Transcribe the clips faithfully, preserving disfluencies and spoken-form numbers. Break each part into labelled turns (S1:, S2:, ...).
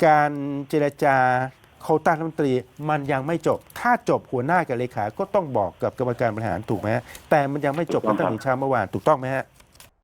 S1: การเจรจาโควต้ารัฐมนตรีมันยังไม่จบถ้าจบหัวหน้ากับเลขาก็ต้องบอกกับกรรมการบริหารถูกไหมฮะแต่มันยังไม่จบกันตั้งแต่เช้าเมื่อวานถูกต้องไหมฮะ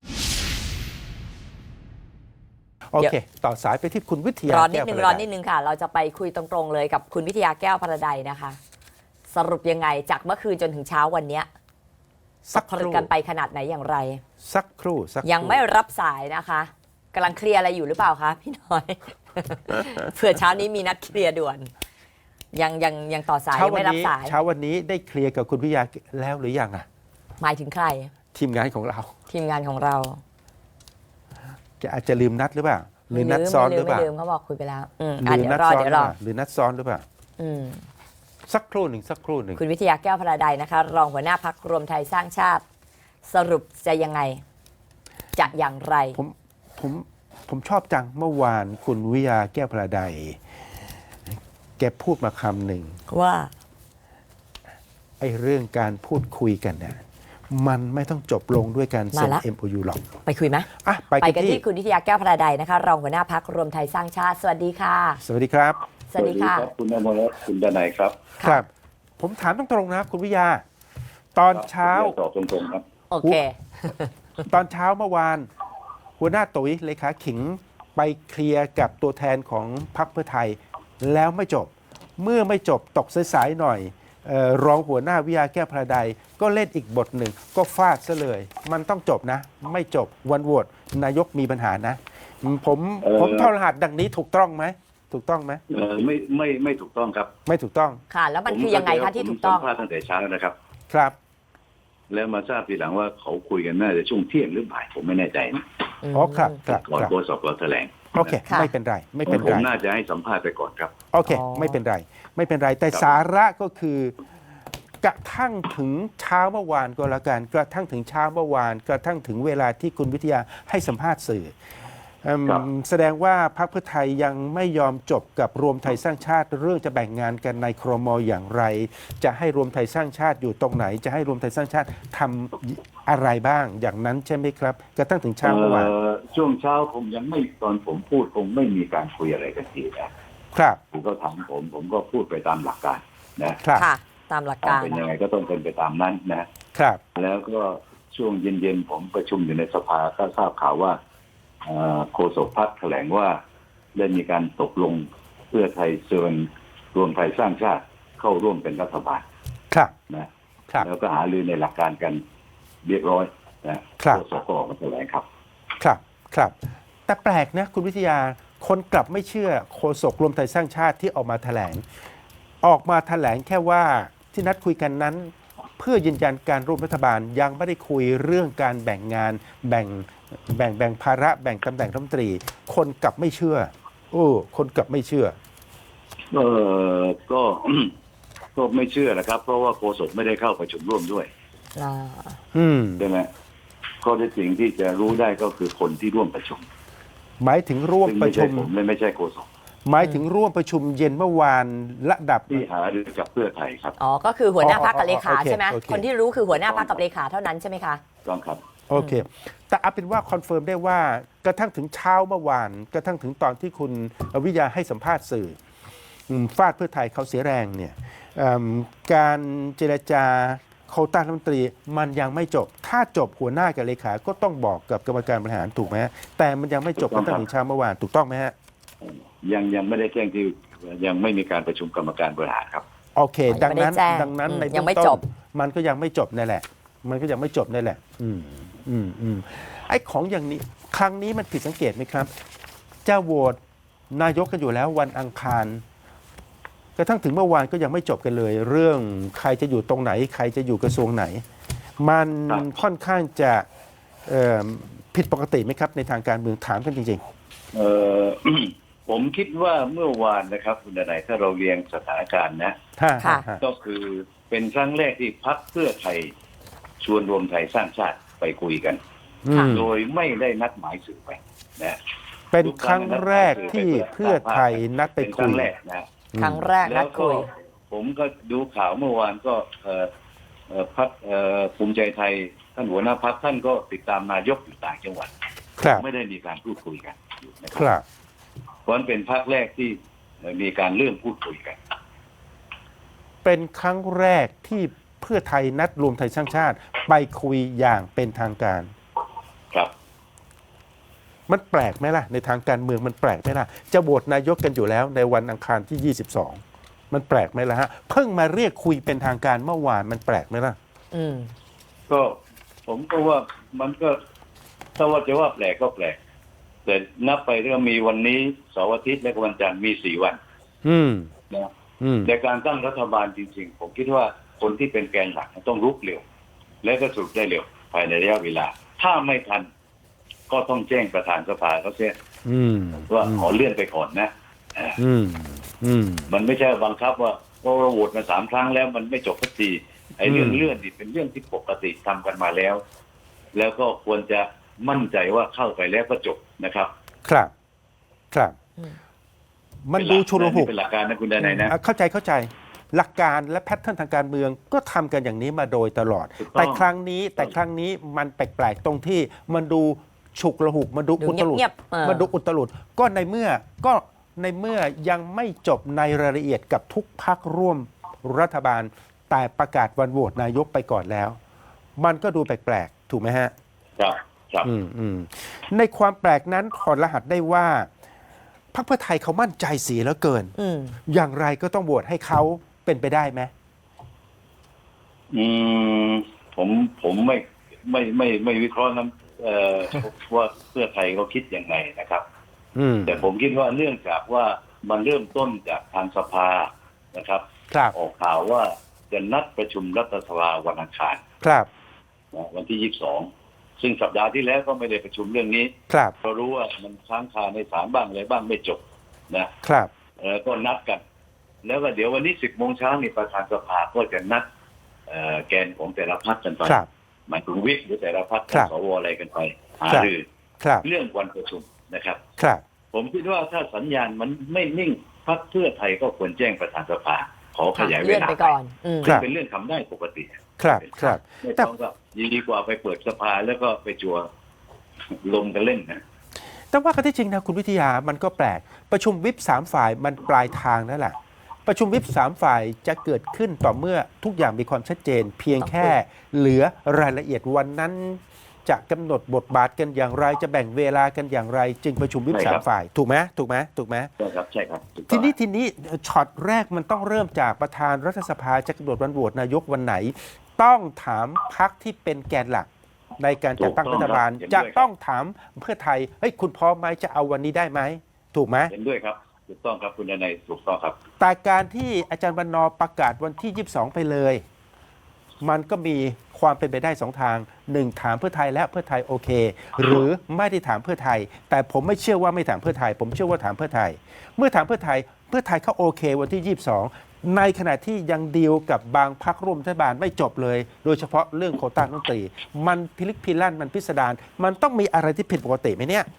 S1: โอเคต่อสายไปที่คุณวิทยาร
S2: อนิดนึงรอนิดนึงค่ะเราจะไปคุยตรงๆเลยกับคุณวิทยาแก้วพระใดนะคะสรุปยังไงจากเมื่อคืนจนถึงเช้าวันนี้สักผลึกกันไปขนาดไหนอย่างไร
S1: สักครู่สัก
S2: ยังไม่รับสายนะคะกำลังเคลียร์อะไรอยู่หรือเปล่าคะพี่น้อย เผื่อเช้านี้มีนัดเคลียร์ด่วนยังยังยังต่อสายยังไม่รับสาย
S1: เช้าวันนี้ได้เคลียร์กับคุณวิทยาแล้วหรือยังอ่ะ
S2: หมายถึงใคร
S1: ทีมงานของเรา
S2: ทีมงานของเรา
S1: จะอาจจะลืมนัดหรือเปล่าหรือนัดซ้อนหรือเปล่า
S2: ไม่ลืมเขาบอกคุยไปแล้วอืม
S1: หรือ
S2: เดี๋ยวรอเดี๋ยวรอ
S1: หรือนัดซ้อนหรือเปล่า
S2: อืม
S1: สักครู่หนึ่งสักครู่หนึ่ง
S2: คุณวิทยาแก้วพระใดนะคะรองหัวหน้าพรรครวมไทยสร้างชาติสรุปจะยังไงจะอย่างไร
S1: ผมผมผมชอบจังเมื่อวานคุณวิทยาแก้วพระใดแกพูดมาคำหนึ่ง
S2: ว่า
S1: ไอ้เรื่องการพูดคุยกันเนี่ยมันไม่ต้องจบลงด้วยการเซ็น เอ็ม โอ ยู หรอก
S2: ไปคุยไหม
S1: อ่ะไป
S2: กันที่คุณวิทยาแก้วพระใดนะคะรองหัวหน้าพรรครวมไทยสร้างชาติสวัสดีค่ะ
S1: สวัสดีครับ
S2: สวัสดีค่ะ
S3: คุณอมรรัตน์คุณดนัยครับ
S1: ครับผมถามตรงๆนะคุณวิทยาตอนเช้า
S3: ตอบตรงๆครับ
S2: โอเค
S1: ตอนเช้าเมื่อวานหัวหน้าตุ๋ยเลขาขิงไปเคลียร์กับตัวแทนของพรรคเพื่อไทยแล้วไม่จบเมื่อไม่จบตกสายๆหน่อยเอ่อรองหัวหน้าวิทยาแก้วพระใดก็เล่นอีกบทหนึ่งก็ฟาดซะเลยมันต้องจบนะไม่จบวันโหวตนายกมีปัญหานะผมผมทอรหัสดังนี้ถูกต้องไหมถูกต้องไหม
S3: เออไม่ไม่ไม่ถูกต้องครับ
S1: ไม่ถูกต้อง
S2: ค่ะแล้วมันคือยังไงคะที่ถูกต้อง
S3: ผมสัมภาษณ์ตั้งแต่เช้านะครับ
S1: ครับ
S3: แล้วมาทราบทีหลังว่าเขาคุยกันน่าจะช่วงเที่ยงหรือบ่ายผมไม่แน่ใจนะ
S1: อ๋อครับครับ
S3: ก่อนโฆษกเราแถลง
S1: โอเคไม่เป็นไรไม่เป็นไร
S3: ผมน่าจะให้สัมภาษณ์ไปก่อนครับ
S1: โอเคไม่เป็นไรไม่เป็นไรแต่สาระก็คือกระทั่งถึงเช้าเมื่อวานก็แล้วกันกระทั่งถึงเช้าเมื่อวานกระทั่งถึงเวลาที่คุณวิทยาให้สัมภาษณ์สื่อแสดงว่าพรรคเพื่อไทยยังไม่ยอมจบกับรวมไทยสร้างชาติเรื่องจะแบ่งงานกันในครม.อย่างไรจะให้รวมไทยสร้างชาติอยู่ตรงไหนจะให้รวมไทยสร้างชาติทำอะไรบ้างอย่างนั้นใช่ไหมครับกระทั่งถึงเช้าเมื่อวาน
S3: ช่วงเช้าผมยังไม่ตอนผมพูดคงไม่มีการคุยอะไรกันที
S1: นะครับ
S3: ผมก็ถามผมผมก็พูดไปตามหลักการ
S1: นะครับ
S2: ตามหลักการ
S3: เป็นยังไงก็ต้องเป็นไปตามนั้นนะครับแล้วก็ช่วงเย็นๆผมประชุมอยู่ในสภาก็ทราบข่าวว่าโฆษกพรรคแถลงว่าได้มีการตกลงเพื่อไทยเชิญรวมไทยสร้างชาติเข้าร่วมเป็นรัฐบาล
S1: ครับ
S3: นะแล้วก็หารือในหลักการกันเรียบร้อยนะโฆษกก็ออกมาแถลงครับ
S1: ครับครับแต่แปลกนะคุณวิทยาคนกลับไม่เชื่อโฆษกรวมไทยสร้างชาติที่ออกมาแถลงออกมาแถลงแค่ว่าที่นัดคุยกันนั้นเพื่อยืนยันการร่วมรัฐบาลยังไม่ได้คุยเรื่องการแบ่งงานแบ่งแบ่งแบ่งภาระแบ่งตำแหน่งรัฐมนตรีคนกลับไม่เชื่อโอ้คนกลับไม่เชื่อ
S3: เออก็ก็ไม่เชื่อนะครับเพราะว่าโฆษกไม่ได้เข้าประชุมร่วมด้วย
S1: อืม
S3: ใช่ไหมข้อเท็จจริงที่จะรู้ได้ก็คือคนที่ร่วมประชุม
S1: หมายถึงร่วมประชุม
S3: ผมไม่ใช่โฆษก
S1: หมายถึงร่วมประชุมเย็นเมื่อวานระดับ
S3: ที่หารือกับเพื่อไทยครับ
S2: อ๋อก็คือหัวหน้าพรรคกับเลขาใช่ไหมคนที่รู้คือหัวหน้าพรรคกับเลขาเท่านั้นใช่ไหมคะ
S3: ต้องครับ
S1: โอเคแต่เอาเป็นว่าคอนเฟิร์มได้ว่ากระทั่งถึงเช้าเมื่อวานกระทั่งถึงตอนที่คุณวิทยาให้สัมภาษณ์สื่อฟาดเพื่อไทยเขาเสียแรงเนี่ยการเจรจาโควต้ารัฐมนตรีมันยังไม่จบถ้าจบหัวหน้ากับเลขาก็ต้องบอกกับกรรมการบริหารถูกไหมแต่มันยังไม่จบตั้งแต่เช้าเมื่อวานถูกต้องไหมฮะ
S3: ยังยังไม่ได้แจ้งที่ยังไม่มีการประชุมกรรมการบริหารครับ
S1: โอเคดังนั้นดังนั้นในเบื้องต้นมันก็ยังไม่จบนั่นแหละมันก็ยังไม่จบนั่นแหละอืมอืมอืมไอ้ของอย่างนี้ครั้งนี้มันผิดสังเกตไหมครับจะโหวตนายกกันอยู่แล้ววันอังคารกระทั่งถึงเมื่อวานก็ยังไม่จบกันเลยเรื่องใครจะอยู่ตรงไหนใครจะอยู่กระทรวงไหนมันค่อนข้างจะผิดปกติไหมครับในทางการเมืองถามกันจริง
S3: ๆเออ ผมคิดว่าเมื่อวานนะครับคุณดนัยถ้าเราเรียงสถานการณ์นะก็คือเป็นครั้งแรกที่พรรคเพื่อไทยชวนรวมไทยสร้างชาติไปคุยกันโดยไม่ได้นัดหมายสื่อไปนะ
S1: เป็นครั้งแรกที่เพื่อไทยนัดไปคุย
S3: นะ
S2: ครั้งแรกนัดคุย
S3: ผมก็ดูข่าวเมื่อวานก็พรรคภูมิใจไทยท่านหัวหน้าพรรคท่านก็ติดตามนายกอยู่ต่างจังหวัดไม่ได้มีการพูดคุยกัน
S1: นะครับเพ
S3: ราะฉะนั้นเป็นพรรคแรกที่มีการเริ่มพูดคุยกัน
S1: เป็นครั้งแรกที่เพื่อไทยนัดรวมไทยสร้างชาติไปคุยอย่างเป็นทางการ
S3: ครับ
S1: มันแปลกไหมล่ะในทางการเมืองมันแปลกไหมล่ะจะโหวตนายกกันอยู่แล้วในวันอังคารที่ยี่สิบสองมันแปลกไหมล่ะฮะเพิ่งมาเรียกคุยเป็นทางการเมื่อวานมันแปลกไหมล่ะ
S2: อืม
S3: ก็ผมก็ว่ามันก็ถ้าว่าจะว่าแปลกก็แปลกแต่นับไปเรื่องมีวันนี้เสาร์อาทิตย์และวันจันทร์มีสี่วัน
S1: อืม
S3: นะ
S1: อืม
S3: ในการตั้งรัฐบาลจริงๆผมคิดว่าคนที่เป็นแกนหลักต้องรุกเร็ว และก็สรุปได้เร็วภายในระยะเวลา ถ้าไม่ทันก็ต้องแจ้งประธานสภาเขาเสีย
S1: อืม
S3: ว่าขอเลื่อนไปก่อนนะอ่า
S1: อืมอืม
S3: มันไม่ใช่บังคับว่าเพราะเราโหวตมาสามครั้งแล้วมันไม่จบสักทีไอ้เรื่อง
S1: อืม
S3: เลื่อนนี่เป็นเรื่องที่ปกติทำกันมาแล้ว แล้วก็ควรจะมั่นใจว่าเข้าไปแล้วก็จบนะครับ
S1: ครับ ครับ
S2: อืม
S1: มันดูชุลหุก
S3: เป็นหลักการนะคุณดนัยนะ
S1: อ่ะเข้าใจเข้าใจหลักการและแพทเทิร์นทางการเมืองก็ทำกันอย่างนี้มาโดยตลอด
S3: ถูกต้อง
S1: แต่ครั้งนี้แต่ครั้งนี้มันแปลกๆตรงที่มันดูฉุกละหุกมันดู
S2: ดู
S1: อุตลุด
S2: เงียบๆเออ
S1: มันดูอุตลุดก็ในเมื่อก็ในเมื่อยังไม่จบในรายละเอียดกับทุกพักร่วมรัฐบาล แต่ประกาศวันโหวตนายกไปก่อนแล้ว มันก็ดูแปลกๆถูกไหมฮะ
S3: ครับครับ
S1: อืมอืมในความแปลกนั้นถอดรหัสได้ว่าพรรคเพื่อไทยเขามั่นใจเสียแล้วเกิน
S2: อืม
S1: อย่างไรก็ต้องโหวตให้เขาเป็นไปได้ไหม
S3: อืมผมผมไม่ไม่ไม่ไม่วิเคราะห์นั้นเอ่อ ว่าเพื่อไทยเขาคิดยังไงนะครับ
S1: อืม
S3: แต่ผมคิดว่าเนื่องจากว่ามันเริ่มต้นจากทางสภานะครับ
S1: ครับ
S3: ออกข่าวว่าจะนัดประชุมรัฐสภาวันอังคาร
S1: ครับ
S3: นะวันที่ยี่สิบสองซึ่งสัปดาห์ที่แล้วก็ไม่ได้ประชุมเรื่องนี้
S1: ครับ
S3: เพราะรู้ว่ามันค้างคาในศาลบ้างอะไรบ้างไม่จบนะครับ เออก็นัดกัน แล้วก็เดี๋ยววันนี้สิบโมงเช้านี่ประธานสภาก็จะนัดเอ่อแกนของแต่ละพรรคกันไป
S1: ครับ
S3: หมายถึงวิปหรือแต่ละพรรค
S1: ครับ
S3: สวอะไรกันไปหา
S1: ครับ
S3: รือ
S1: ครับ
S3: เรื่องวันประชุมนะครับ
S1: ครับ
S3: ผมคิดว่าถ้าสัญญาณมันไม่นิ่งพรรคเพื่อไทยก็ควรแจ้งประธานสภาขอขยายเว
S2: เลื่อน
S3: ลา
S2: ไปก่อน อืม
S1: ครับ
S3: เป็นเรื่องทำได้ปกติ
S1: ครับครับ
S3: ไม่
S1: แต่
S3: ต้องก็ดีกว่าไปเปิดสภาแล้วก็ไปจัวลงกันเล่นนะ
S1: แต่ว่ากันที่จริงนะคุณวิทยามันก็แปลก ประชุมวิปสามฝ่ายมันปลายทางนั่นแหละ ประชุมวิปสามฝ่ายจะเกิดขึ้นต่อเมื่อทุกอย่างมีความชัดเจน เพียงแค่เหลือรายละเอียดวันนั้น จะกำหนดบทบาทกันอย่างไร จะแบ่งเวลากันอย่างไร จึงประชุมวิป
S3: ใช่
S1: สา
S3: ครั
S1: ม
S3: บ
S1: ฝ่ายถูกไหมถูกไหมถูกไหม
S3: ใช่ครับใช่ครับถูกต้
S1: ที
S3: อง
S1: นี้ทีนี้ช็อตแรกมันต้องเริ่มจากประธานรัฐสภาจะกำหนดวันโหวตนายกวันไหน ต้องถามพรรคที่เป็นแกนหลัก ในการจัดตั้งรัฐบาล จะต้องถามเพื่อไทยเฮ้ยคุณพร้อมไหมจะเอาวันนี้ได้ไหมถูกไหม
S3: เห็นด้วยครับถูกต้องครับคุณดนัยถูกต้องครับ
S1: แต่การที่อาจารย์บรรณอประกาศวันที่ยี่สิบสองไปเลย มันก็มีความเป็นไปได้สองทางหนึ่งถามเพื่อไทยและเพื่อไทยโอเค หรือไม่ได้ถามเพื่อไทย แต่ผมไม่เชื่อว่าไม่ถามเพื่อไทย ผมเชื่อว่าถามเพื่อไทย เมื่อถามเพื่อไทยเพื่อไทยเขาโอเค วันที่ยี่สิบสองในขณะที่ยังดีลกับบางพรรคร่วมรัฐบาลไม่จบเลย โดยเฉพาะเรื่องโควต้ารัฐมนตรีมันพิลึกพิลั่นมันพิสดารมันต้องมีอะไรที่ผิดปกติไหมเนี่ย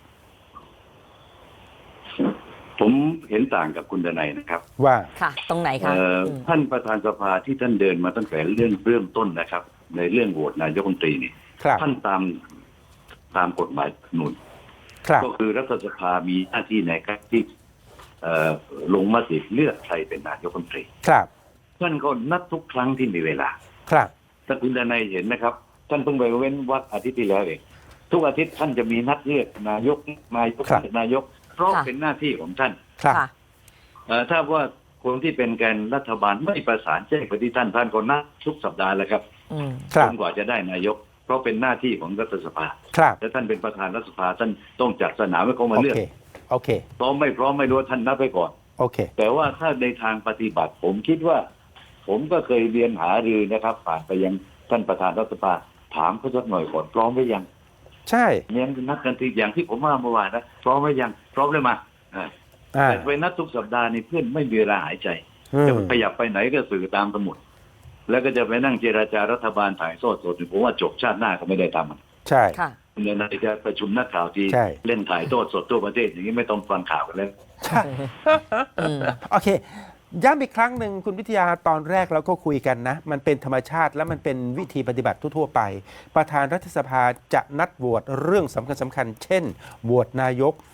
S3: ผมเห็นต่างกับคุณดนัยนะครับ
S1: ว่า
S2: ค่ะ ตรงไหนคะ
S3: เอ่อ
S2: อืม
S3: ท่านประธานสภาที่ท่านเดินมาตั้งแต่เรื่องเริ่มต้นนะครับ ในเรื่องโหวตนายกรัฐมนตรีนี่
S1: ครับ
S3: ท่านตามตามกฎหมายหนุน
S1: ครับ
S3: ก็คือรัฐสภามีหน้าที่ในการที่เอ่อลงมติเลือกใครเป็นนายกรัฐมนตรี
S1: ครับ
S3: ท่านก็นัดทุกครั้งที่มีเวลา
S1: ครับ
S3: ถ้าคุณดนัยเห็นนะครับ ท่านเพิ่งไปเว้นวัดอาทิตย์ที่แล้วเองทุกอาทิตย์ท่านจะมีนัดเลือกนายกนายก
S1: ครับ
S3: นายกเพราะ
S2: ค่ะ
S3: เป็นหน้าที่ของท่าน
S1: ครับ
S2: ค่ะ
S3: เอ่อถ้าว่าคนที่เป็นแกนรัฐบาลไม่ประสานแจ้งไปที่ท่านท่านก็นัดทุกสัปดาห์แหล้วครับ
S2: อืม
S1: ครั
S3: จ
S1: บ
S3: นกว่าจะได้นายก เพราะเป็นหน้าที่ของรัฐสภา
S1: ครับ
S3: และท่านเป็นประธานรัฐสภาท่านต้องจัดสนามให้เขามา
S1: โอ
S3: เลือก
S1: เคโอเค
S3: พร้อมไม่พร้อมไม่รู้ท่านนัดไปก่อน
S1: โอเค
S3: แต่ว่าถ้าในทางปฏิบัติผมคิดว่า ผมก็เคยเรียนหารือนะครับผ่านไปยังท่านประธานรัฐสภาถามเขาสักหน่อยก่อนพร้อมหรือยัง
S1: ใช่
S3: เนี่ยนัดกันทีอย่างที่ผมว่าเมื่อวานนะพร้อมหรือยังพร้อมเลยมาอ่า
S1: อ่า
S3: แต่ไปนัดทุกสัปดาห์นี่เพื่อนไม่มีเวลาหายใจ
S1: อืม
S3: จะขยับไปไหนก็สื่อตามสมุด แล้วก็จะไปนั่งเจราจารัฐบาลถ่ายทอดสดผมว่าจบชาติหน้าก็ไม่ได้ทำมัน
S1: ใช่
S2: ค่ะ
S3: เดี๋ยวนายจะประชุมนักข่าวที
S1: ใช่
S3: เล่นถ่ายทอดสดทั่วประเทศอย่างนี้ไม่ต้องฟังข่าวกันแล้ว
S1: ใช่
S2: อืม
S1: โอเค ย้ำอีกครั้งหนึ่งคุณวิทยาตอนแรกเราก็คุยกันนะ มันเป็นธรรมชาติและมันเป็นวิธีปฏิบัติทั่วๆไป ประธานรัฐสภาจะนัดโหวตเรื่องสำคัญสำคัญๆเช่นโหวตนายก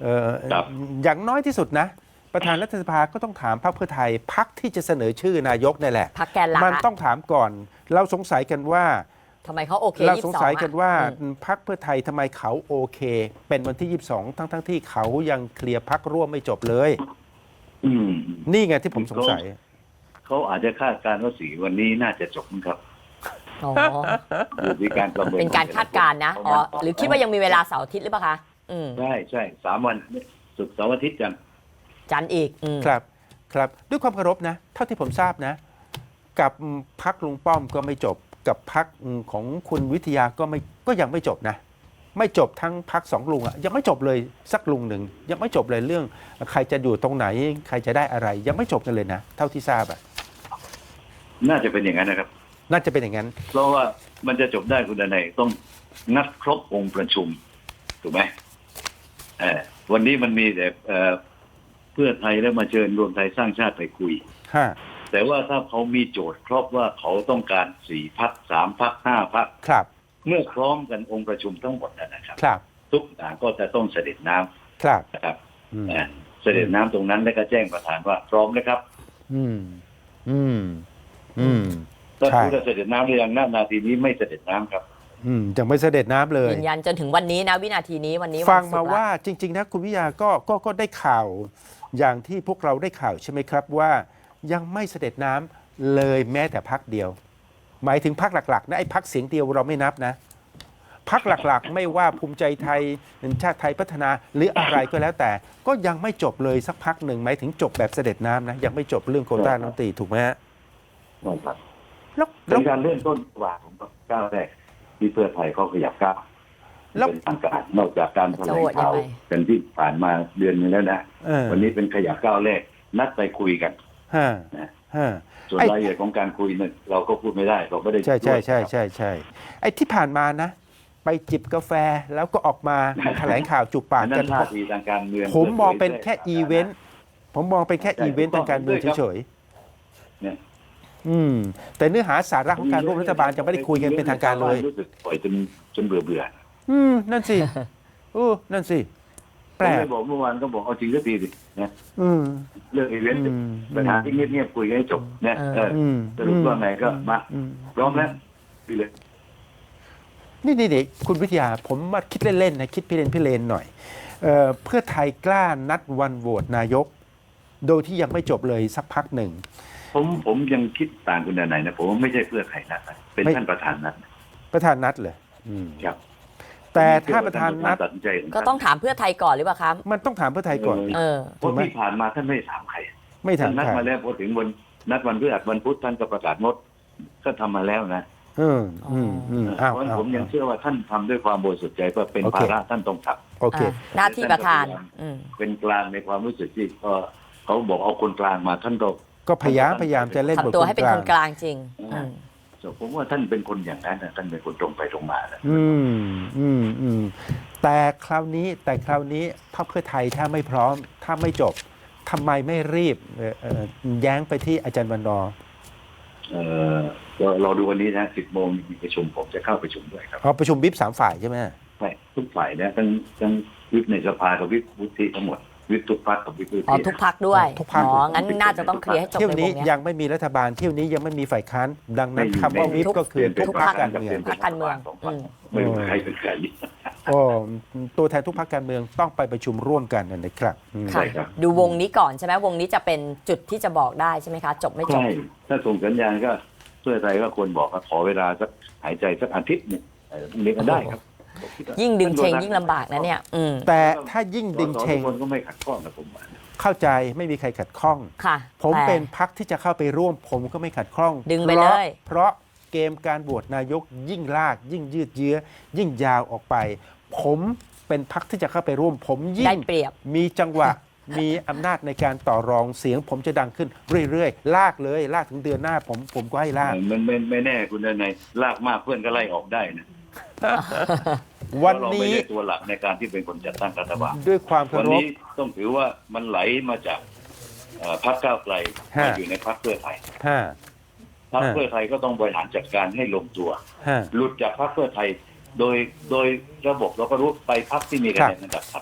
S1: เอ่อ
S3: ครับ
S1: อย่างน้อยที่สุดนะ ประธานรัฐสภาก็ต้องถามพรรคเพื่อไทยพรรคที่จะเสนอชื่อนายกนี่แหละ
S2: พรรคแกนหลัก
S1: มัน
S2: อะ
S1: ต้องถามก่อน เราสงสัยกันว่า
S2: ทำไมเขาโอเค
S1: เรา
S2: ยี่
S1: ส
S2: สิ
S1: ง
S2: บสอง
S1: สัยกันว่า
S2: อืม
S1: พรรคเพื่อไทยทำไมเขาโอเค เป็นวันที่ยี่สิบสองทั้งทั้งๆที่เขายังเคลียร์พรรคร่วมไม่จบเลย
S3: อืม
S1: นี่ไงที่ผมสงสัย
S3: เขาอาจจะคาดการณ์ว่าสี่วันนี้น่าจะจบนะครับ
S2: อ๋อ
S3: อยู่ที่การประเมิน
S2: เป็นการคาดการณ์นะอ๋อหรือคิดว่ายังมีเวลาเสาร์อาทิตย์หรือเปล่าคะอืม
S3: ใช่ใช่สามวันศุกร์เสาร์อาทิตย์กัน
S2: จันทร์อีกอืม
S1: ครับครับด้วยความเคารพนะ เท่าที่ผมทราบนะ กับพักลุงป้อมก็ไม่จบ กับพักของคุณวิทยาก็ไม่ก็ยังไม่จบนะ ไม่จบทั้งพักสองลุงอะยังไม่จบเลยสักลุงหนึ่งยังไม่จบเลยเรื่อง ใครจะอยู่ตรงไหน ใครจะได้อะไร ยังไม่จบกันเลยนะ เท่าที่ทราบอะ
S3: น่าจะเป็นอย่างนั้นนะครับ
S1: น่าจะเป็นอย่างนั้น
S3: เพราะว่ามันจะจบได้คุณดนัยต้องนัดครบองค์ประชุมถูกไหมเออวันนี้มันมีแต่เอ่อเพื่อไทยแล้วมาเชิญรวมไทยสร้างชาติไปคุย
S1: ฮะ
S3: แต่ว่าถ้าเขามีโจทย์ครบว่าเขาต้องการสี่พักสามพักห้าพัก
S1: ครับ
S3: เมื่อพร้อมกันองค์ประชุมทั้งหมดนะครับ
S1: ครับ
S3: ทุกอย่างก็จะต้องเสด็จน้ำ
S1: ครับ
S3: นะครับ
S1: อืม
S3: เอ่อเสด็จน้ำตรงนั้นแล้วก็แจ้งประธานว่าพร้อมนะครับ
S1: อืม อืม อืม
S3: ถ้า
S1: ใช่
S3: คุณจะเสด็จน้ำหรือยังณนาทีนี้ไม่เสด็จน้ำครับ
S1: อืมยังไม่เสด็จน้ำเลย
S2: ยืนยันจนถึงวันนี้นะวินาทีนี้วันนี้
S1: ฟัง
S2: นศุกร์
S1: มา
S2: ละ
S1: ว่าจริง ๆ นะคุณวิทยาก็ก็ก็ได้ข่าวอย่างที่พวกเราได้ข่าวใช่ไหมครับว่ายังไม่เสด็จน้ำเลยแม้แต่พักเดียว หมายถึงพักหลักๆนะไอ้พักเสียงเดียวเราไม่นับนะพักหลักๆ ไม่ว่าภูมิใจไทยชาติไทยพัฒนาหรืออะไรก็แล้วแต่ ก็ยังไม่จบเลยสักพักหนึ่งหมายถึงจบแบบเสด็จน้ำนะยังไม่จบเรื่องโควต้าน้ำตีถูกไหมฮะ
S3: ครับ
S1: แล้ว
S3: เป็
S1: แล้ว
S3: นการเริ่มต้นกว่าของก้าวแรกที่เพื่อไทยเขาขยับก้าว
S1: แล้ว
S3: เป็นทางการนอกจากการแถล
S2: จะ
S3: ง
S2: โหวตยั
S3: ข่าง ว
S2: ไง
S3: กันที่ผ่านมาเดือนนึงแล้วนะ
S1: เออ
S3: วันนี้เป็นขยับก้าวแรกนัดไปคุยกัน
S1: ฮะ
S3: นะ
S1: ฮะ
S3: ส่วน
S1: ไอ้
S3: รายละเอียดของการคุยเนี่ยเราก็พูดไม่ได้เราไม่ได้
S1: ใช่ใช่ใช่
S3: ร่วม
S1: ใช่ใช่ไอ้ที่ผ่านมานะ ไปจิบกาแฟแล้วก็ออกมาแถลงข่าวจุบปาก
S3: อัน
S1: กั
S3: นั้น นท่าทีทางการเมือง
S1: ผมมองเป็น
S3: ผยผย
S1: แค่อีเวนต์ผมมองเป็นแค่อีเวนต์ทางการเมืองเฉย
S3: เนี่ย
S1: ๆอืมแต่เนื้อหาสาระของการร่วมรัฐบาลจะไม่ได้คุยกันเป็นทางการเลย
S3: รู้สึกปล่อยจนจนเบื่อเบื่อ
S1: อืมนั่นสิโอ้นั่นสิ
S3: ผ
S1: แปล
S3: ม
S1: ก
S3: เลยบอกเมื่อวานก็บอกเอาจริงก็ดีสินะ
S1: อืม
S3: เรื่องอีเวนต์
S1: อืม
S3: ปัญหาที่เงียบๆคุยกันให้จบเนี่ยเออ
S1: อืม
S3: สรุปว่าไงก็มา
S1: อืม
S3: พร้อมแล้วดีเลย
S1: นี่นี่นี่คุณวิทยาผมมาคิดเล่นๆนะคิดพี่เลนพี่เลนหน่อยเอ่อเพื่อไทยกล้านัดวันโหวตนายก โดยที่ยังไม่จบเลยสักพักหนึ่ง
S3: ผมผมยังคิดต่างคุณดนัยนะผมว่าไม่ใช่เพื่อใครนัดนะเป็น
S1: ไม่
S3: ท่านประธานนัด
S1: ประธานนัดเลยอืม
S3: ครับ
S1: แต่ถ้าประธานนัด
S3: ตัดสินใจข
S2: ก็ต้องถามเพื่อไทยก่อนหรือเปล่าคะ
S1: มันต้องถามเพื่อไทยก่อนดิ
S2: เออ
S3: เพราะที่ผ่านมาท่านไม่ได้ถามใคร
S1: ไม่ถา
S3: ท่าม นนัด
S1: ใคร
S3: มาแล้วพอถึงวันนัดวันพฤหัสวันพุธท่านก็ประกาศงดก็ทำมาแล้วนะ
S1: อืมอืมอืม
S3: เพ
S1: อ้าว
S3: ราะฉะนั้น
S1: อ้าว
S3: ผมยังเชื่อว่าท่านทำด้วยความบริสุทธิ์ใจว่าเป็น
S1: โอเค
S3: ภาระท่านต้องท
S1: โอเค
S2: อ่ะหน้าที่ประธานอืม
S3: ำเป็นกลางในความรู้สึกที่ก็เขาบอกเอาคนกลางมาท่านก็
S1: ก็พยายามพยายามจะเล่นบท
S2: ทำตัวให้เป็น
S1: ก
S2: ค
S1: ลาง
S2: นกลางจริงอืม
S3: ผมว่าท่านเป็นคนอย่างนั้นนะท่านเป็นคนตรงไปตรงมานะ
S1: อืมอืมอืมแต่คราวนี้แต่คราวนี้พรรคเพื่อไทยถ้าไม่พร้อม ถ้าไม่จบทำไมไม่รีบเอ่อเอ่อแย้งไปที่อาจารย์วันนอร์
S3: เออก็รอดูวันนี้นะสิบโมงมีประชุมผมจะเข้าประชุมด้วยครับ
S1: เอาประชุมวิปสามฝ่ายใช่ไหม
S3: ใช่ทุกฝ่ายนะทั้งทั้งวิปในสภากับวิปวุฒิทั้งหมดวิปทุกพรรคกับวิปวุฒิ
S2: อ๋อทุกพักด้วย
S1: ทุกพรรค
S2: อ๋องั้นน่าจะต้องเคลียร์ให้จบ
S1: เที่ยว
S2: ในว
S1: นี้
S2: งเนี้ย
S1: ยังไม่มีรัฐบาลเที่ยวนี้ยังไม่มีฝ่ายค้านดังนั้นคำว่าวิปก็คือทุกพรรคการเมือง
S2: พรรคการเมืองอืม
S3: ไม่ว่าใครเป็นใคร
S1: โอ้ตัวแทนทุกพรรคการเมืองต้องไปประชุมร่วมกันนะครับอืม
S3: ใช่
S2: ค่ะ
S3: ครับ
S2: ดูวงนี้ก่อนใช่ไหมวงนี้จะเป็นจุดที่จะบอกได้ใช่ไหมคะ จบไม่จบ
S3: ใช่ถ้าส่งสัญญาณก็เพื่อไทยก็ควรบอกว่าขอเวลาสักหายใจสักอาทิตย์หนึงเออพรุ่งนี้ก็ได้ครับ
S2: ยิ่งดึงเชงยิ่งลำบากนะเนี่ย อืม
S1: แต่ถ้ายิ่งดึงเชง
S3: สอสอทุกคนก็ไม่ขัดข้องนะผมว่า
S1: เข้าใจไม่มีใครขัดข้อง
S2: ค่ะ
S1: ผม
S2: แต่
S1: เป็นพักที่จะเข้าไปร่วม ผมก็ไม่ขัดข้อง
S2: ดึงไป
S1: พราะ
S2: เลย
S1: เพราะเกมการโหวตนายกยิ่งลาก ยิ่งยืดเยื้อ ยิ่งยาวออกไป ผมเป็นพักที่จะเข้าไปร่วม ผมยิ่
S2: ได้
S1: ง
S2: เปรียบ
S1: มีจังหวะ มีอำนาจในการต่อรองเสียง ผมจะดังขึ้นเรื่อยๆ ลากเลย ลากถึงเดือนหน้า ผมผมก็ให้ลาก
S3: มันไม่ไม่แน่คุณนายลากมากเพื่อนก็ไล่ออกได้นะ
S1: วัน
S3: เพราะเรา
S1: นี้
S3: ไม่ได้ตัวหลักในการที่เป็นคนจัดตั้งรัฐบาล
S1: ด้วยความเคา
S3: วัน
S1: รพ
S3: นี้ต้องถือว่ามันไหลมาจากเอ่อพรรคก้าวไกล
S1: ฮะ
S3: มาอยู่ในพรรคเพื่อไทย
S1: ห้า
S3: พรรค
S1: ฮะ
S3: เพื่อไทยก็ต้องบริหารจัดการให้ลงตัว
S1: ห้า
S3: หลุดจากพรรคเพื่อไทย โดยโดยระบบเราก็รู้ไปพรรคที่มีคะแนนระดับพรรค
S2: ค่ะ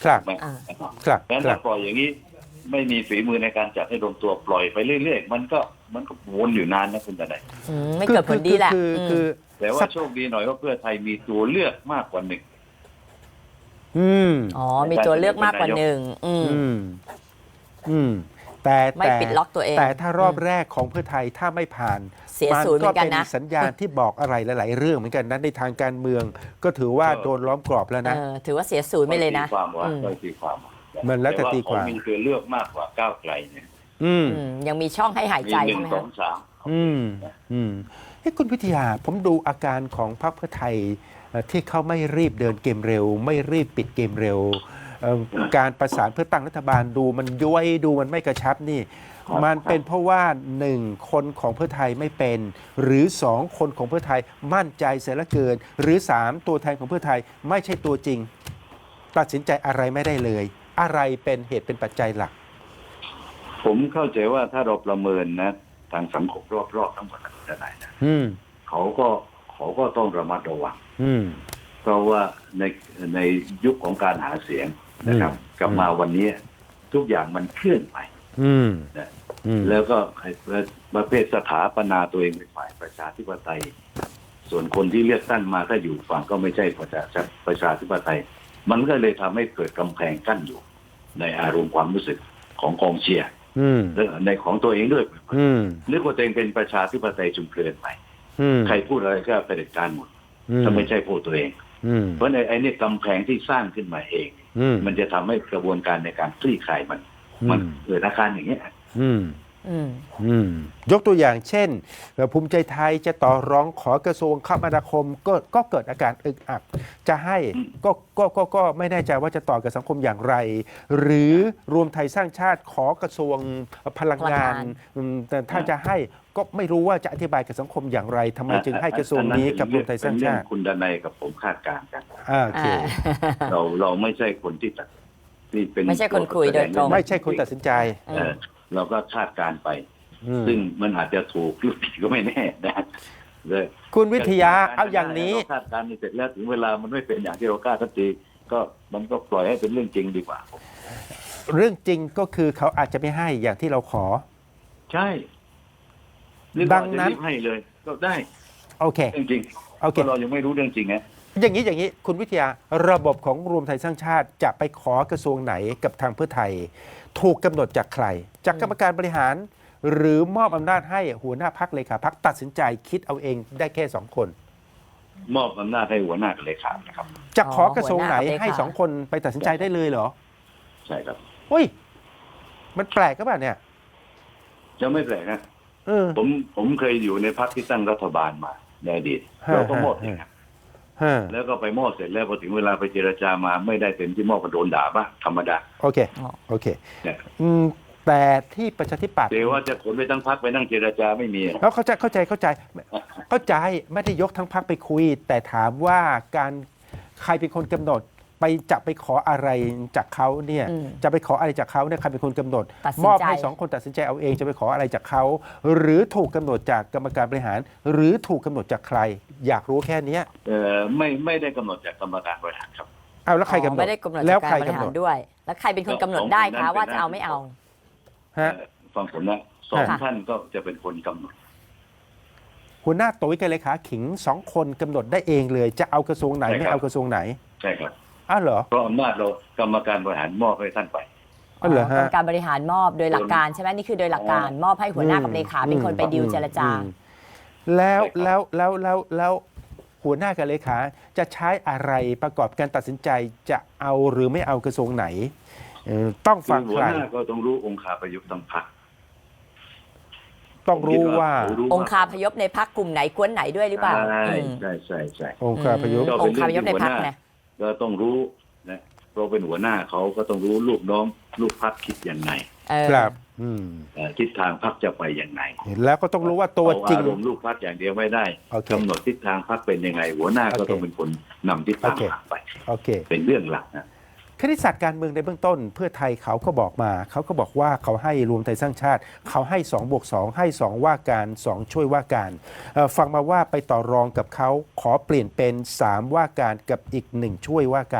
S1: ครับ
S3: ถูกไหม
S2: อ่า
S1: ครับ
S3: งั้น
S1: ครั
S3: ถ้า
S1: บ
S3: ปล่อยอย่างนี้ไม่มีฝีมือในการจัดให้ลงตัวปล่อยไปเรื่อยๆมันก็มันก็วนอยู่นานนะคุณทนาย
S2: อืมไม่เกิดผลดีแหละ
S1: คือคือ
S2: ม
S3: แต่ว่าโชคดีหน่อยว่าเพื่อไทยมีตัวเลือกมากกว่าหนึ่ง
S1: อืม
S2: อ๋อ มีตัวเลือกมากกว่าหนึ่งอืม
S1: อืมอืมแต่
S2: ไม่
S1: แต่
S2: ปิดล็อกตัวเอง
S1: แต่ถ้ารอบแรกของเพื่อไทยถ้าไม่ผ่าน
S2: เสียศูนย์เหมือนกันนะ
S1: ก็เป็นสัญญาณที่บอกอะไรหลาย ๆ เรื่องเหมือนกันนะในทางการเมือง ก็ถือว่า
S3: เออ
S1: โดนล้อมกรอบแล้ว
S2: เอ
S1: นะ
S2: อถือว่าเสียศูนย์ไปเลยนะ
S3: ตีความว่า
S2: อืม
S3: ก็ตีความว่า
S1: มันแล้วแต่ตีความ
S3: เขมีตัวเลือกมากกว่าก้าวไกลเนี่ย
S1: อืม
S2: อืมยังมีช่องให้หาย
S3: มี
S2: ใจ
S3: หนึ่
S2: ใช่
S3: ง
S2: ไหม
S3: สอ
S2: คะ
S3: งสาม
S1: อืมอืมให้คุณวิทยาผมดูอาการของพรรคเพื่อไทยเอ่อที่เขาไม่รีบเดินเกมเร็ว ไม่รีบปิดเกมเร็วเอ่อการประสานเพื่อตั้งรัฐบาลดูมันย้วยดูมันไม่กระชับนี่ มันเป็นเพราะว่าหนึ่งคนของเพื่อไทยไม่เป็น หรือสองคนของเพื่อไทยมั่นใจเสียเหลือเกิน หรือสามตัวแทนของเพื่อไทยไม่ใช่ตัวจริง ตัดสินใจอะไรไม่ได้เลย อะไรเป็นเหตุเป็นปัจจัยหลัก
S3: ผมเข้าใจว่าถ้าเราประเมินนะทางสังคมรอบๆทั้งหมดจะไหนนะ
S1: อืม
S3: เขาก็เขาก็ต้องระมัดระวัง
S1: อืม
S3: เพราะว่าในในยุคของการหาเสียงนะครับ
S1: อืม
S3: กลับมาวันนี้ทุกอย่างมันเคลื่อนไป
S1: อืม
S3: นะ
S1: อืม
S3: แล้วก็ประเภทสถาปนาตัวเองเป็นฝ่ายประชาธิปไตย ส่วนคนที่เลือกตั้งมาถ้าอยู่ฝั่งก็ไม่ใช่ประชาประชาธิปไตย มันก็เลยทำให้เกิดกำแพงกั้นอยู่ ในอารมณ์ความรู้สึกของกองเชียร์
S1: อืม
S3: และในของตัวเองด้วย
S1: อืม
S3: นึกว่าตัวเองเป็นประชาธิปไตยจุมเพลินไป
S1: อืม
S3: ใครพูดอะไรก็เผด็จการหมด
S1: อืม
S3: ถ้าไม่ใช่พูดตัวเอง
S1: อืม
S3: เพราะในไอ้นี่กำแพงที่สร้างขึ้นมาเอง
S1: อืม
S3: มันจะทำให้กระบวนการในการคลี่คลายมัน มันเกิดอาการอย่างนี้ย
S1: อืม
S2: อืม
S1: อืม ยกตัวอย่างเช่นเอ่อภูมิใจไทยจะต่อร้องขอกระทรวงคมนาคมก็ก็เกิดอาการอึกอัก จะให้ก็ก็ก็ก็ไม่แน่ใจว่าจะต่อกับสังคมอย่างไร หรือรวมไทยสร้างชาติขอกระทรวงพลังงาน
S2: พลังงาน
S1: อืมแต่ถ้าจะให้ก็ไม่รู้ว่าจะอธิบายกับสังคมอย่างไรทำไมจึงให้กระทรวงนี้กับรวมไทยสร้างชาติ
S3: เป็นเรื่องคุณดนัยกับผมคาดการณ์กัน
S1: อ่าโอเค
S3: เราเราไม่ใช่คนที่ตัดที่เป็น
S2: ไม่ใช่คนคุยโดยตรง
S1: ไม่ใช่คนตัดสินใจ
S2: เอ
S3: เอ
S2: อ
S3: อเราก็คาดการณ์ไป
S1: อืม
S3: ซึ่งมันอาจจะถูกหรือผิดก็ไม่แน่นะเลย
S1: คุณวิทยาเอาอย่างนี้
S3: เรคาดการณ์นี่เสร็จแล้วถึงเวลามันไม่เป็นอย่างที่เราคาดทันทีก็มันก็ปล่อยให้เป็นเรื่องจริงดีกว่า
S1: เรื่องจริงก็คือเขาอาจจะไม่ให้อย่างที่เราขอ
S3: ใช่หรือ
S1: ดั
S3: เรา
S1: ง
S3: จะ
S1: นั้น
S3: รีบให้เลย ก็ได้
S1: โอเค
S3: เรื่องจริง
S1: โอเค
S3: เพราะเรายังไม่รู้เรื่องจริงไง
S1: อย่างนี้อย่างนี้คุณวิทยาระบบของรวมไทยสร้างชาติจะไปขอกระทรวงไหนกับทางเพื่อไทย ถูกกำหนดจากใคร จากกรรมการบริหาร หรือมอบอำนาจให้หัวหน้าพักเลขาพักตัดสินใจคิดเอาเองได้แค่สองคน
S3: มอบอำนาจให้หัวหน้ากับเลขานะครับ
S1: จะขอกระทรวงไหน
S2: หัวหน้ากับเลขา
S1: ให้สองคนไปตัดสินใจได้เลยเหรอ
S3: ใช่ครับ
S1: เฮ้ยมันแปลกก็แบบเนี่ย
S3: จะไม่แปลกนะ
S1: เออ
S3: ผมผมเคยอยู่ในพรรคที่ตั้งรัฐบาลมาในอดีต
S1: ฮะ
S3: เราก็มอบ
S1: ฮะ
S3: เองครับ
S1: ฮะ
S3: แล้วก็ไปมอบเสร็จแล้วพอถึงเวลาไปเจรจามาไม่ได้เต็มที่มอบก็โดนด่าบ้างธรรมดา
S1: โอเค
S2: อ๋อ
S1: โอเค
S3: เนี่ย
S1: อืมแต่ที่ประชาธิปัตย์
S3: เดี๋ยวว่าจะขนไปตั้งพรรคไปนั่งเจรจาไม่มี
S1: แล้วเข้าใจเข้าใจเข้าใจเข้าใจไม่ได้ยกทั้งพักไปคุย แต่ถามว่าการใครเป็นคนกำหนดไปจะไปขออะไรจากเขาเนี่ย
S2: อืม
S1: จะไปขออะไรจากเขาเนี่ยใครเป็นคนกำหนด
S2: ตัดสินใจ
S1: มอบให้สองคนตัดสินใจเอาเองจะไปขออะไรจากเขา หรือถูกกำหนดจากกรรมการบริหาร หรือถูกกำหนดจากใคร อยากรู้แค่เนี้ย
S3: เออไม่ไม่ได้กำหนดจากกรรมการบริหารครับ
S1: เอาแล้วใครกำหนด
S2: ไม่ได้กำหนด
S1: แล้ว
S2: จาก
S1: ใคร
S2: การบริ
S1: กำ
S2: หา
S1: หน
S2: ร
S1: ด
S2: ด้วย แล้วใครเป็นคนกำหนดได้คะว่าจะเอาไม่เอา
S1: ฮะ
S3: เอ่อฟังผมนะสอง
S2: ค่ะ
S3: ท่านก็จะเป็นคนกำหนด
S1: หัวหน้าตุ๋ยกับเลขาขิงสองคนกำหนดได้เองเลย จะเอากระทรวงไหน
S3: ใช่ครับ
S1: ไม่เอากระทรวงไหน
S3: ใช่ครับ
S1: อ้าวเหรอ
S3: เพราะอำนาจเรากรรมการบริหารมอบให้ท่านไป
S1: อ๋อเหรอฮะ
S2: กรรมการบริหารมอบโดยหลักการใช่ไหมนี่คือโดยหลักการมอบให้หัวหน้ากับเลขาเป็นคนไปดิวเจรจา
S1: อืมแล้ว
S3: ใช่ครับ
S1: แล้วแล้วแล้วแล้วหัวหน้ากับเลขาจะใช้อะไรประกอบการตัดสินใจจะเอาหรือไม่เอากระทรวงไหนเอ่อต้องฟัง
S3: หั
S1: ใคว ร
S3: หน้าก็ต้องรู้องค์คาประยุกต์ทั้งพรรค
S1: ต้องรู้ว่า
S3: ผมคิดเขรู้
S2: องค์คาพยพในพักกลุ่มไหนกวนไหนด้วยหรือเปล่า
S3: ใช่
S2: อืม
S3: ใช่ใช่ใช่
S1: องค์การพยุกต์
S3: ก็
S2: อ
S3: เป็
S2: ง
S3: น
S2: ค์คาพยพในพักนะ
S3: ก็ต้องรู้นะเพราะเป็นหัวหน้าเขาก็ต้องรู้ลูกน้องลูกพรรคคิดยังไง
S2: เออ
S1: ครับอืม
S3: เอ่อทิศทางพรรคจะไปยังไง
S1: แล้วก็ต้องรู้ว่าตัวจริง
S3: เอาอารมณ์ลูกพรรคอย่างเดียวไม่ได้
S1: โอเค
S3: กำหนดทิศทางพรรคเป็นยังไง หัวหน้าก็
S1: โอเค
S3: ต้องเป็นคนนำทิศทาง
S1: โอเค
S3: พรรคไป
S1: โอเค
S3: เป็นเรื่องหลักนะ
S1: คณิตศาสตร์การเมืองในเบื้องต้น เพื่อไทยเขาก็บอกมา เขาก็บอกว่าเขาให้รวมไทยสร้างชาติ เขาให้2บวก2ให้สองว่าการสองช่วยว่าการเอ่อฟังมาว่าไปต่อรองกับเขาขอเปลี่ยนเป็นสามว่าการกับอีกหนึ่งช่วยว่าการ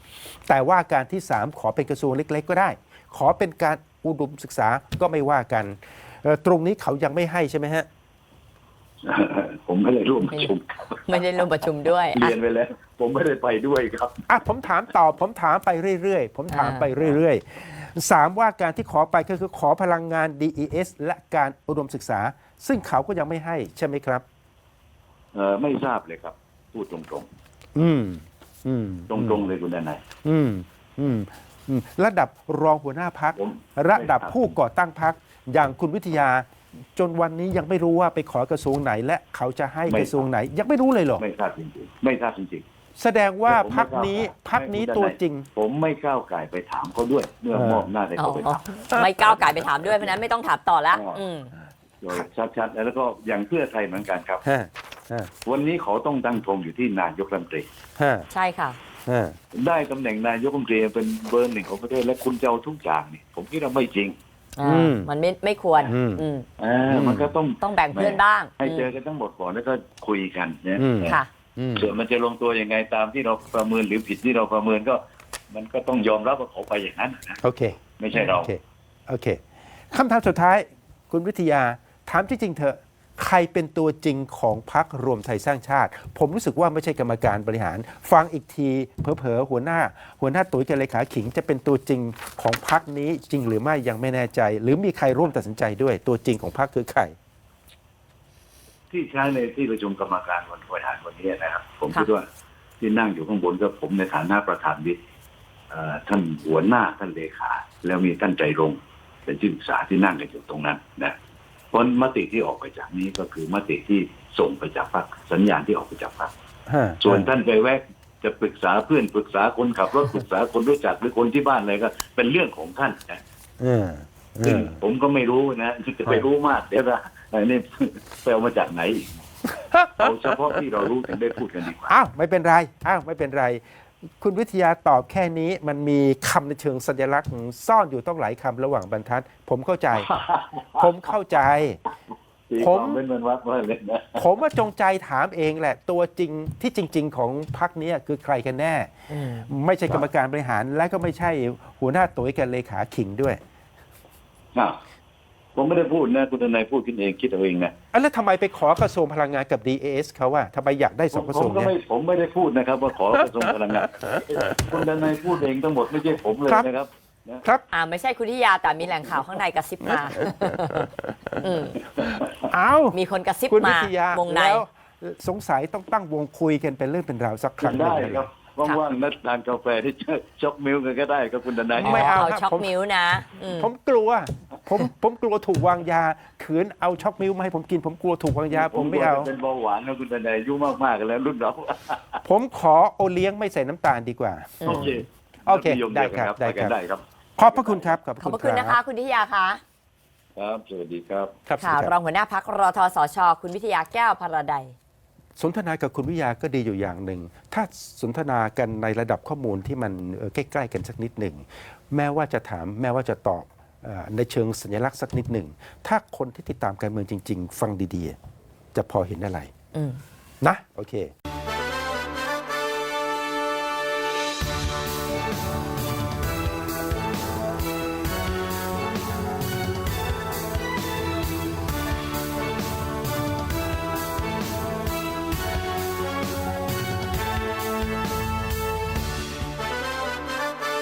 S1: แต่ว่าการที่สามขอเป็นกระทรวงเล็ก ๆ ก็ได้ ขอเป็นการอุดมศึกษาก็ไม่ว่ากันเอ่อตรงนี้เขายังไม่ให้ใช่ไหมฮะ
S3: ผมไม่ได้ร่วมประชุมครับ
S2: ไม่ได้ร่วมประชุมด้วย
S3: เรียนไปแล้ว ผมไม่ได้ไปด้วยครับ
S1: อ่ะผมถามต่อผมถามไปเรื่อยๆ ผมถามไปเรื่อยๆสามว่าการที่ขอไปก็คือขอพลังงาน ดี อี เอส และการอุดมศึกษา ซึ่งเขาก็ยังไม่ให้ใช่ไหมครับ
S3: เออไม่ทราบเลยครับ พูดตรง
S1: อืมอืม
S3: ๆ ตรงๆเลยคุณดนัย
S1: อืมอืมอืมระดับรองหัวหน้าพัก
S3: ผม
S1: ระดับ
S3: ไม่ทราบ
S1: ผู้ก่อตั้งพักอย่างคุณวิทยา จนวันนี้ยังไม่รู้ว่าไปขอกระทรวงไหน และเขาจะให้กระทรวงไหน ยังไม่รู้เลยเหรอ
S3: ไม่ทราบจริงๆไม่ทราบจริง
S1: แสดง
S3: ๆ
S1: ว่า
S3: แต่ผม
S1: พัก
S3: ไม่
S1: นี้
S3: ก้าวไก่
S1: พักนี้
S3: ไม่
S1: ตัว
S3: คุณดนัย
S1: จริง
S3: ผมไม่ก้าวไก่ไปถามเขาด้วย เมื่อ
S1: เออ
S3: มอบหน้าให้
S2: อ๋อ
S3: เขาไปถาม
S2: ไม่ก้าวไก่ไปถามด้วยเพราะฉะนั้นไม่ต้องถามต่อแล้ว
S3: อ๋ออื
S2: อืม
S3: โดยชัดๆแล้วก็อย่างเพื่อไทยเหมือนกันครับ
S1: ฮะฮะ
S3: วันนี้เขาต้องตั้งธงอยู่ที่นายกรัฐมนตรี
S1: ฮะ
S2: ใช่ค่ะ
S1: ฮะ
S3: ได้ตำแหน่งนายกรัฐมนตรีเป็นเบอร์หนึ่งของประเทศและคุณจะเอาทุกอย่างนี่ผมคิดว่าไม่จริง
S2: อ่ามันไม่ไม่ควร
S1: อืม
S2: อืม
S3: อ่ามันก็ต้อง
S2: ต้องแบ่งเพื่อนบ้าง
S3: ให้เจอกันทั้งหมดก่อนแล้วก็คุยกันเนี่ย
S1: อืม
S2: ค่ะ
S1: อืม
S3: ส่วนมันจะลงตัวยังไงตามที่เราประเมินหรือผิดที่เราประเมินก็ มันก็ต้องยอมรับว่าเขาไปอย่างนั้นนะ
S1: โอเค
S3: ไม่ใช่เรา
S1: โอเค โอเค คำถามสุดท้าย คุณวิทยา ถามจริงๆเถอะ ใครเป็นตัวจริงของพรรครวมไทยสร้างชาติ ผมรู้สึกว่าไม่ใช่กรรมการบริหาร ฟังอีกทีเผลอๆหัวหน้า หัวหน้าตุ๋ยกับเลขาขิงจะเป็นตัวจริงของพรรคนี้จริงหรือไม่ยังไม่แน่ใจ หรือมีใครร่วมตัดสินใจด้วย ตัวจริงของพรรคคือใคร
S3: ที่ใช้ในที่ประชุมกรรมการวันบริหารวันนี้นะครับ ผม
S2: ค่ะ
S3: คิดว่าที่นั่งอยู่ข้างบนก็ผมในฐานะประธานวิปเอ่อท่านหัวหน้าท่านเลขา แล้วมีท่านใจรงค์เป็นที่ปรึกษาที่นั่งกันอยู่ตรงนั้นนะเพราะมติที่ออกไปจากนี้ก็คือมติที่ส่งไปจากพรรคสัญญาณที่ออกไปจากพรรค
S1: ฮะ
S3: ส่วนท่านไปแวะจะปรึกษาเพื่อนปรึกษาคนขับรถปรึกษาคนรู้จักหรือคนที่บ้านอะไรก็ เป็นเรื่องของท่านนะ
S1: เออเอ
S3: ซึ่ง
S1: อ
S3: ผมก็ไม่รู้นะจะไปรู้มากเดี๋ยวนะอันนี้ไปเอามาจากไหนอีกเอาเฉพาะที่เรารู้ถึงได้พูดกันดีกว่า
S1: อ้าวไม่เป็นไร อ้าวไม่เป็นไร คุณวิทยาตอบแค่นี้มันมีคำในเชิงสัญลักษณ์ซ่อนอยู่ต้องหลายคำระหว่างบรรทัด ผมเข้าใจ ผมเข้าใจ
S3: ตี
S1: ผ
S3: ค
S1: ม
S3: วามเป็นมันวัดว่าเลยนะ
S1: ผมว่าจงใจถามเองแหละ ตัวจริงที่จริง ๆ ของพรรคเนี้ยคือใครกันแน่
S2: อืม
S1: ไม่ใช่กรรมการบริหาร และก็ไม่ใช่หัวหน้าตุ๋ยกับเลขาขิงด้วย
S3: อ้าวผมไม่ได้พูดนะคุณทนายพูดขึ้นเองคิดเอาเองนะ
S1: อ่ะแล้วทำไมไปขอกระทรวงพลังงานกับ ดี เอ เอส เขาว่าทำไมอยากได้สองกระ
S3: ผ
S1: ทรว
S3: ม
S1: ง
S3: ก็
S1: เนี้
S3: ไม่
S1: ย
S3: ผมไม่ได้พูดนะครับ ว่าขอกระทรวงพลังงานคุณทนายพูดเองทั้งหมดไม่ใช่ผมเลย
S1: ครับ
S3: นะครับ
S1: ครับ
S2: อ่าไม่ใช่คุณทิยาแต่มีแหล่งข่าวข้างในกระซิบมาอืม
S1: เอา
S2: มีคนกระซิบ
S1: คุณวิ
S2: มา
S1: ทยาว
S2: งใน
S1: แล้วสงสัยต้องตั้งวงคุยกันเป็นเรื่องเป็นราวสักครั้งหนึ่
S3: ได้
S1: ง
S3: ครับว่างๆนัดทานกาแฟที่ช็อกมิลกันก็ได้ครับคุณทนาย
S1: ไม่เอา
S2: ช็อกมิ้วนะอืม
S1: ผมกลัว ผมผมกลัวถูกวางยาขืนเอาช็อกมิลมาให้ผมกิน ผมกลัวถูกวางยา ผมไม่เอา
S3: เป็นเบาหวานนะคุณทนายอายุมากๆกันแล้วรุ่นเรา
S1: ผมขอโอเลี้ยงไม่ใส่น้ำตาลดีกว่า
S3: โอเค
S1: โอเค
S3: นิยม
S1: ได้
S3: เยวกัน
S1: ครับได้ครับ
S3: ไปกันได้ครับ
S1: ขอบพระคุณครับ ขอบพ
S2: ขอบพ
S1: ระ
S2: ระ
S1: คุ
S2: คุณ
S1: ณ
S2: นะคะ คุณทิยาคะ
S3: ครับสวัสดีครับ
S1: ครับสวั
S2: ค่ะ
S1: สดีค
S2: ร
S1: รั
S2: อบ งหัวหน้าพักรทสช คุณวิทยาแก้วพาราไดย
S1: สนทนากับคุณวิทยาก็ดีอยู่อย่างหนึ่ง ถ้าสนทนากันในระดับข้อมูลที่มันเอ่อใกล้ๆกันสักนิดหนึ่ง แม้ว่าจะถามแม้ว่าจะตอบเอ่อในเชิงสัญลักษณ์สักนิดหนึ่ง ถ้าคนที่ติดตามการเมืองจริง ๆ ฟังดีๆ จะพอเห็นอะไร
S2: อืม
S1: นะ โอเค